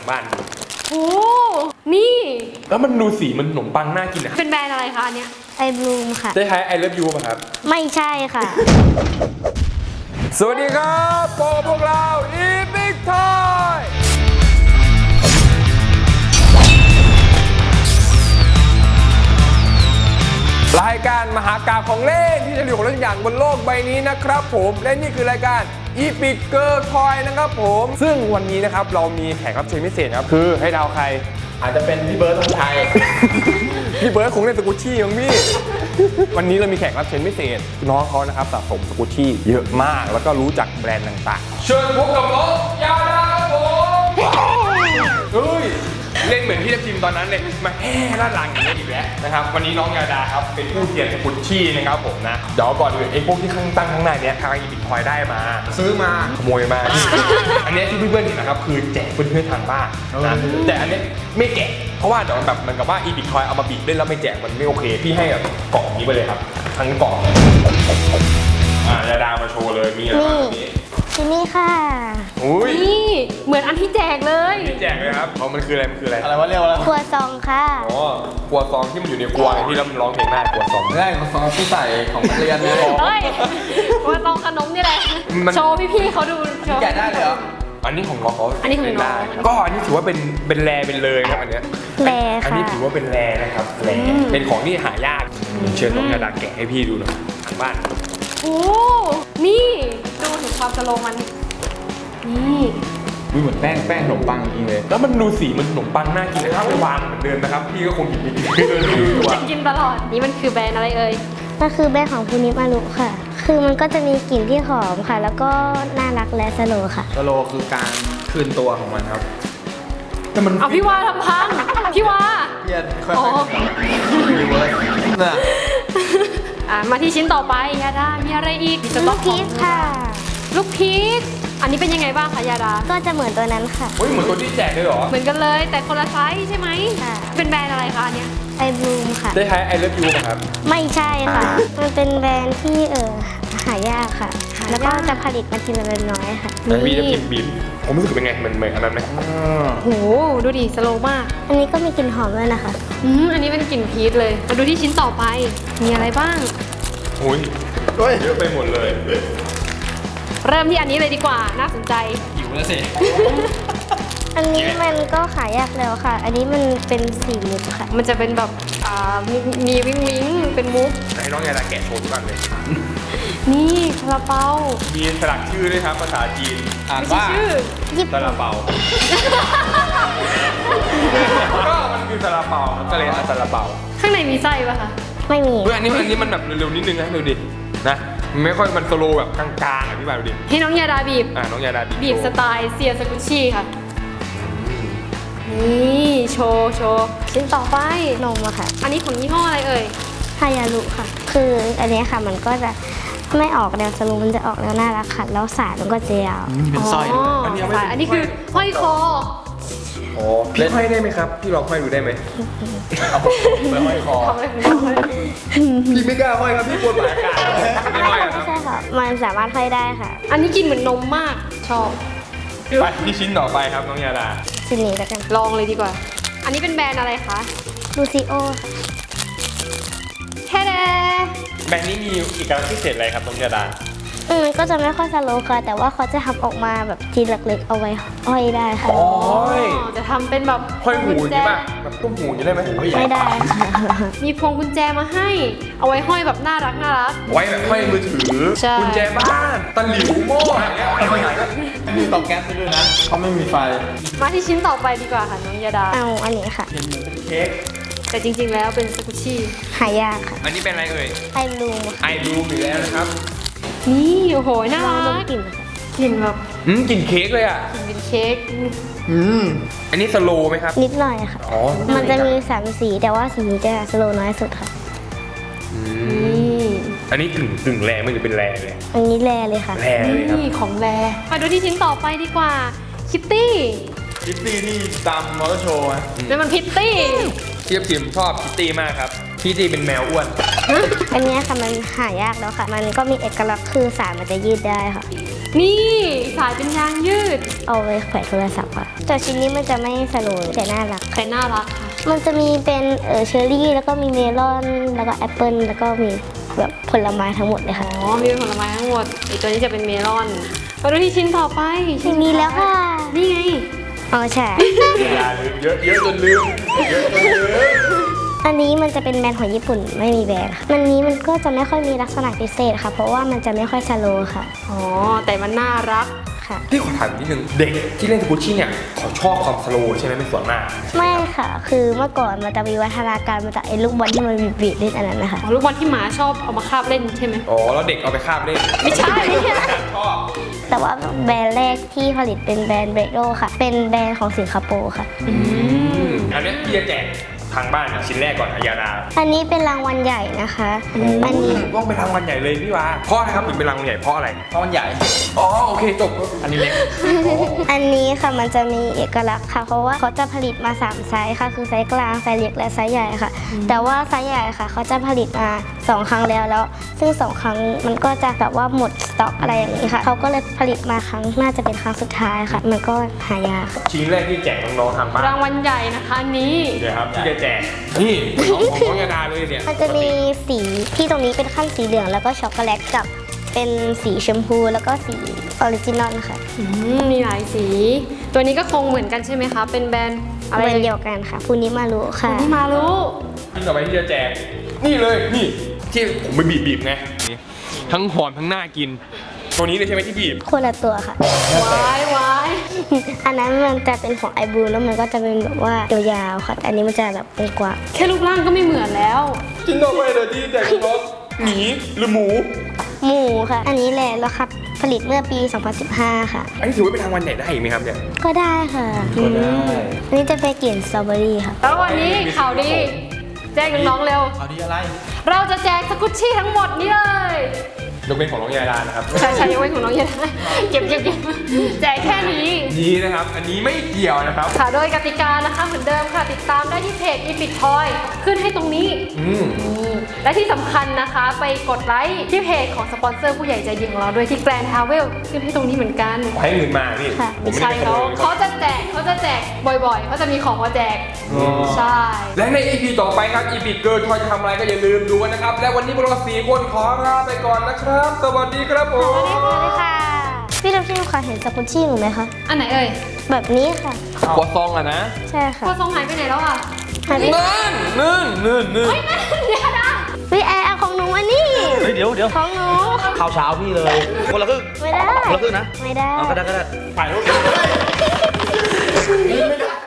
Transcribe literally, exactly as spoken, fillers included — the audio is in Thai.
บ้านดูโอ้นี่แล้วมันดูสีมันขนมปังน่ากินอ่ะเป็นแบรนด์อะไรคะอันเนี้ยไอบลูมค่ะได้ใช้ไอเลิฟยูป่ะครับไม่ใช่ค่ะสวัสดีครับพบกับพวกเราอีพิกทอยรายการมหากาพย์ของเล่นที่จะเหลือของเล่นอย่างบนโลกใบนี้นะครับผมและนี่คือรายการอีพิกเกอร์ทอยนะครับผมซึ่งวันนี้นะครับเรามีแขกรับเชิญพิเศษครับคือให้เดาใครอาจจะเป็นพี่เบิร์ดธงชัย พี่เบิร์ดคงเล่นสกูชี่มั้งพี่ วันนี้เรามีแขกรับเชิญพิเศษน้องเขานะครับสะสมสกูชี่เยอะมากแล้วก็รู้จักแบรนด์ต่างๆเชิญพบกับน้องยาดาครับผมเฮ้ยเล่นเหมือนพี่ทัพทิมตอนนั้นเลยมาแห่ด้านหลังอย่างนี้อีกแล้วนะครับวันนี้น้องยาดาครับเป็นผู้เขียนสกูชี่นะครับผมนะเดี๋ยวก่อนอื่นไอ้พวกที่ข้างตั้งข้างในเนี้ยทางอีบิทคอยได้มาซื้อมาขโมยมา อันนี้ที่เพื่อนๆเห็นนะครับคือแจกเพื่อนๆทางบ้านนะแต่อันนี้ไม่แกะเพราะว่าเดี๋ยวแบบมันกับว่าอีบิทคอยเอามาบีบเล่นแล้วไม่แจกมันไม่โอเคพี่ให้แบบกล่องนี้ไปเลยครับทั้งกล่องอ่ายาดามาโชว์เลยมีอะไรบ้างนี้ที่นี่ค่ะอุ้ยนี่เหมือนอันที่แจกเลยที่แจกเลยครับเพราะมันคืออะไรมันคืออะไรอะไรวะเรียกว่าอะไรครัวซองค่ะอ๋อครัวซองที่มันอยู่ในครัวที่เราร้องเพลงได้ครัวซองไม่ได้ครัวซองที่ใส่ของนักเรียนเนี่ยเฮ้ยครัวซองขนมนี่แหละโชว์พี่ๆเขาดูโชว์แกะได้เลยเหรออันนี้ของน้องเขาอันนี้ของน้องก็อันนี้ถือว่าเป็นเป็นแรเป็นเลยครับอันเนี้ยแรค่ะอันนี้ถือว่าเป็นแรนะครับแรเป็นของที่หายากเชิญน้องยาดาแกะให้พี่ดูหน่อยทางบ้านโอ้นี่ดูถึงความสโลมันนี่ดูเหมือนแป้งแป้งขนมปังจริงเลยแล้วมันดูสีมันขนมปังน่ากินนะครับไปวางเหมือนเดิมนะครับพี่ก็คงหยิบไปกินเดินดูดูจะกินตลอดนี่มันคือแบรนด์อะไรเอ่ยมันคือแบรนด์ของพูนิมารุค่ะคือมันก็จะมีกลิ่นที่หอมค่ะแล้วก็น่ารักและสโลว์ค่ะสโลคือการคืนตัวของมันครับแต่มันเอาพี่วาทำพังพี่วาเพี้ยนค่อยๆรีเวิร์สน่ะอ่ะมาที่ชิ้นต่อไปยาดามีอะไรอีกลูกพีชค่ะลูกพีชอันนี้เป็นยังไงบ้างคะยาดาก็จะเหมือนตัวนั้นค่ะเฮ้ยเหมือนตัวที่แจกเลยเหรอเหมือนกันเลยแต่คนละไซส์ใช่ไหมค่ะเป็นแบรนด์อะไรคะอันเนี้ยไอบลูมค่ะได้ใช้ไอเลิฟยูป่ะครับไม่ใช่ค่ะมันเป็นแบรนด์ที่เออหายากค่ะแล้วก็จะผลิตมาทีละน้อยค่ะมีน้ำจิ้มบีบผมรู้สึกเป็นไงเหมือนเหมือนอันนั้นไหมโหดูดิสโลว์มากอันนี้ก็มีกลิ่นหอมด้วยนะคะอืมอันนี้เป็นกลิ่นพีชเลยมาดูที่ชิ้นต่อไปมีอะไรบ้างโอ้ยเยอะไปหมดเลยเริ่มที่อันนี้เลยดีกว่าน่าสนใจหิวแล้วสิอันนี้มันก็ขายยากแล้วค่ะอันนี้มันเป็นสีมุกค่ะมันจะเป็นแบบอ่ามีวิ้งวิ้งเป็นมุกให้น้องยาดาแกะโชว์ทุกอันเลยนี่ซาลาเปามีสลักชื่อด้วยครับภาษาจีนอ่านว่าซาลาเปาก็มันคือซาลาเปาก็เลยซาลาเปาข้างในมีไส้ป่ะคะไม่มีเฮ้ยอันนี้อันนี้มันแบบเร็วๆนิดนึงนะดูดินะไม่ค่อยมันสโลแบบกลางๆอ่ะพี่บาดูดิให้น้องยาดาบีบอ่าน้องยาดาบีบบีบสไตล์เซียสกุชี่ค่ะนี่โชว์โชว์ชิ้นต่อไปนมอะค่ะอันนี้ของยี่ห้ออะไรเอ่ยฮายารุค่ะคืออันนี้ค่ะมันก็จะไม่ออกแนวสโลมันจะออกแนวน่ารักค่ะแล้วสายมันก็จะยาวเป็นสร้อยอันนี้อันนี้คือห้อยคออ๋อพี่ห้อยได้ไหมครับพี่ลองห้อยดูได้ไหมเอาไปห้อยคอพี่ไม่กล้าห้อยครับพี่กลัวหมากัดไม่ห้อยครับใช่ค่ะมันสามารถห้อยได้ค่ะอันนี้กินเหมือนนมมากชอบไปที่ชิ้นต่อไปครับน้องยาดาชิ้นนี้แล้วกันลองเลยดีกว่าอันนี้เป็นแบรนด์อะไรคะลูซิโอแค่แดแบรนด์นี้มีอีกการพิเศษอะไรครับน้องยาดาอืมก็จะไม่ค่อยสโลว์ค่ะแต่ว่าเขาจะทำออกมาแบบทีเล็กๆเอาไว้ห้อยได้ค่ะอ๋อจะทำเป็นแบบห้อยหูนี่ป่ะแบบตุ้มหูนี่ได้ไหมไม่ได้มีพวงกุญแจมาให้เอาไว้ห้อยแบบน่ารักน่ารักไว้แบบห้อยมือถือกุญแจบ้านตะหลิวโม่อะไรเงี้ยทำไมก็มีเตาแก๊สด้วยนะเขาไม่มีไฟมาที่ชิ้นต่อไปดีกว่าค่ะน้องยาดาเอาอันนี้ค่ะเห็นเหมือนเป็นเค้กแต่จริงๆแล้วเป็นสกุชี่หายากค่ะอันนี้เป็นอะไรเอ่ยไอลูมไอลูมอยู่แล้วนะครับนี่โอ้โหน่ารักกลิ่นกลิ่นแบบอืมกลิ่นเค้กเลยอ่ะกลิ่นเป็นเค้กอืมอันนี้สโลว์ไหมครับนิดหน่อยค่ะอ๋อมันจะมีสามสีแต่ว่าสีนี้จะสโลว์น้อยสุดค่ะอืมอันนี้กึ่งกึ่งแร่ไม่หรือเป็นแร่เลยอันนี้แร่เลยค่ะแร่เลยครับนี่ของแร่มาดูที่ชิ้นต่อไปดีกว่าคิตตี้คิตตี้ที่ตามมอเตอร์โชว์นะนั่นมันพิตตี้เทียบจิมชอบคิตตี้มากครับคิตตี้เป็นแมวอ้วนอันนี้ค่ะมันหายากแล้วค่ะมันก็มีเอกลักษณ์คือสายมันจะยืดได้ค่ะนี่สายเป็นยางยืดเอาไว้แขวนโทรศัพท์ค่ะแต่ชิ้นนี้มันจะไม่สโลว์แต่น่ารักแต่น่ารักค่ะมันจะมีเป็นเออเชอร์รี่แล้วก็มีเมลอนแล้วก็แอปเปิลแล้วก็มีแบบผลไม้ทั้งหมดเลยค่ะอ๋อ มีผลไม้ทั้งหมดไอตัวนี้จะเป็นเมลอนมาดูที่ชิ้นต่อไปชิ้นมีแล้วค่ะนี่ไงอ๋อใช่อย่าลืมเยอะเยอะจนลืมเยอะจนลืมอันนี้มันจะเป็นแบรนด์ของญี่ปุ่นไม่มีแบรนด์ค่ะมันนี้มันก็จะไม่ค่อยมีลักษณะพิเศษค่ะ เพราะว่ามันจะไม่ค่อยสโลว์ค่ะอ๋อ แต่มันน่ารักค่ะพี่ขอถามอีกนิดนึงเด็กที่เล่นสกุชชี่เนี่ยเขาชอบความสโลว์ใช่ไหมเป็นส่วนมากไม่ค่ะ คือเมื่อก่อนมันจะมีวัฒนาการมาจากไอ้ลูกบอลที่มันบีบๆเล่นอันนั้นนะคะอ๋อ ลูกบอลที่หมาชอบเอามาคาบเล่นใช่ไหมอ๋อแล้วเด็กเอาไปคาบเล่นไม่ใช่ชอบแต่ว่าแบรนด์แรกที่ผลิตเป็นแบรนด์เบรโดค่ะ เป็นแบรนด์ของสิงคโปร์ค่ะอืมอันนี้พี่จะแจกทางบ้านชิ้นแรกก่อนอายาดาอันนี้เป็นรางวัลใหญ่นะคะ อันนี้ต้องเป็นรางวัลใหญ่เลยพี่วาเพราะอะไรครับถึงเป็นรางวัลใหญ่เพราะอะไรเพราะมันใหญ่อ๋อโอเคจบอันนี้เล็กอันนี้ค่ะมันจะมีเอกลักษณ์ค่ะ เพราะว่าเขาจะผลิตมาสามไซส์ค่ะ คือไซส์กลางไซส์เล็กและไซส์ใหญ่ค่ะ แต่ว่าไซส์ใหญ่ค่ะเขาจะผลิตมาสองครั้งแล้วแล้ว ซึ่งสองครั้งมันก็จะแบบว่าหมดสต็อกอะไรอย่างนี้ค่ะเขาก็เลยผลิตมาครั้งน่าจะเป็นครั้งสุดท้ายค่ะ มันก็หายากค่ะชิ้นแรกที่แจกน้องๆทางบ้านรางวัลใหญ่นะคะอันนี้เดี๋ยวครับที่จะแจกนี่ของของน้องยาดาเลยเนี่ยมันจะมีสีที่ตรงนี้เป็นขั้นสีเหลืองแล้วก็ช็อกโกแลตกับเป็นสีชมพูแล้วก็สีออริจินอลค่ะอืม มีหลายสี ตัวนี้ก็คงเหมือนกันใช่ไหมคะ เป็นแบรนด์อะไรแบรนด์เดียวกันค่ะฟูนิมารุค่ะที่มารู้ชิ้นต่อไปที่จะแจกนี่เลยนี่ที่ผมไปบีบๆไงนี่ทั้งหอมทั้งน่ากิน ตัวนี้เลยใช่ไหมที่บีบคนละตัวค่ะวายวายอันนั้นมันจะเป็นของไอบูแล้วมันก็จะเป็นแบบว่ายาวๆค่ะแต่อันนี้มันจะแบบกว้างแค่รูปร่างก็ไม่เหมือนแล้วชิ้นต่อไปเลยที่แจกน้องหมีหรือหมูๆหมูค่ะ อันนี้แหละแล้วครับผลิตเมื่อปี สองพันสิบห้า ค่ะอันนี้ถือว่าเป็นรางวัลใหญ่ได้อีกไหมครับเนี่ยก็ได้ค่ะก็ได้อันนี้จะเป็นกลิ่นสตรอเบอรี่ค่ะแล้ววันนี้ข่าวดี แจ้งน้องๆเร็วเอาดีอะไรเราจะแจกสกุชชี่ทั้งหมดนี้เลยยกเป็นของน้องยาดานะครับใช่ใช่ยังไว้ของน้องเย็นเก็บเก็บเก็บแจกแค่นี้นี้นะครับ อันนี้ไม่เกี่ยวนะครับค่ะ โดยกติกานะคะเหมือนเดิมค่ะ ติดตามได้ที่เพจ Epic Toy ขึ้นให้ตรงนี้อืมนี่และที่สำคัญนะคะ ไปกดไลค์ที่เพจของสปอนเซอร์ผู้ใหญ่ใจดีของเราด้วยที่ Grand Travel ขึ้นให้ตรงนี้เหมือนกันขอให้เงินมาพี่ค่ะผมไม่ใช่ได้ไปขเขาโมยเขาจะแจกเขาจะแจกบ่อยๆเขาจะมีของมาแจกอ๋อใช่และใน อี พี ต่อไปครับ อี พี เกิร์ลทอยจะทำอะไรก็อย่าลืมดูกันนะครับ และวันนี้พวกเราสี่คนขอลาไปก่อนนะครับ สวัสดีครับผมสวัสดีค่ะ พี่ทัพทิมค่ะเห็นสกุชชี่หนูไหมคะอันไหนเอ่ยแบบนี้ค่ะกัวซองอะนะใช่ค่ะพอทรงหายไปไหนแล้วอ่ะหายไปนั่นนั่นนั่นนั่นเฮ้ยนั่นเดี๋ยวนะวิแอร์ของหนูอันนี้เฮ้ยเดี๋ยวเดี๋ยวของหนูข้าวเช้าพี่เลย คนละครึ่งไม่ได้คนละครึ่งนะไม่ได้เอาก็ได้ก็ได้ถ่ายรูป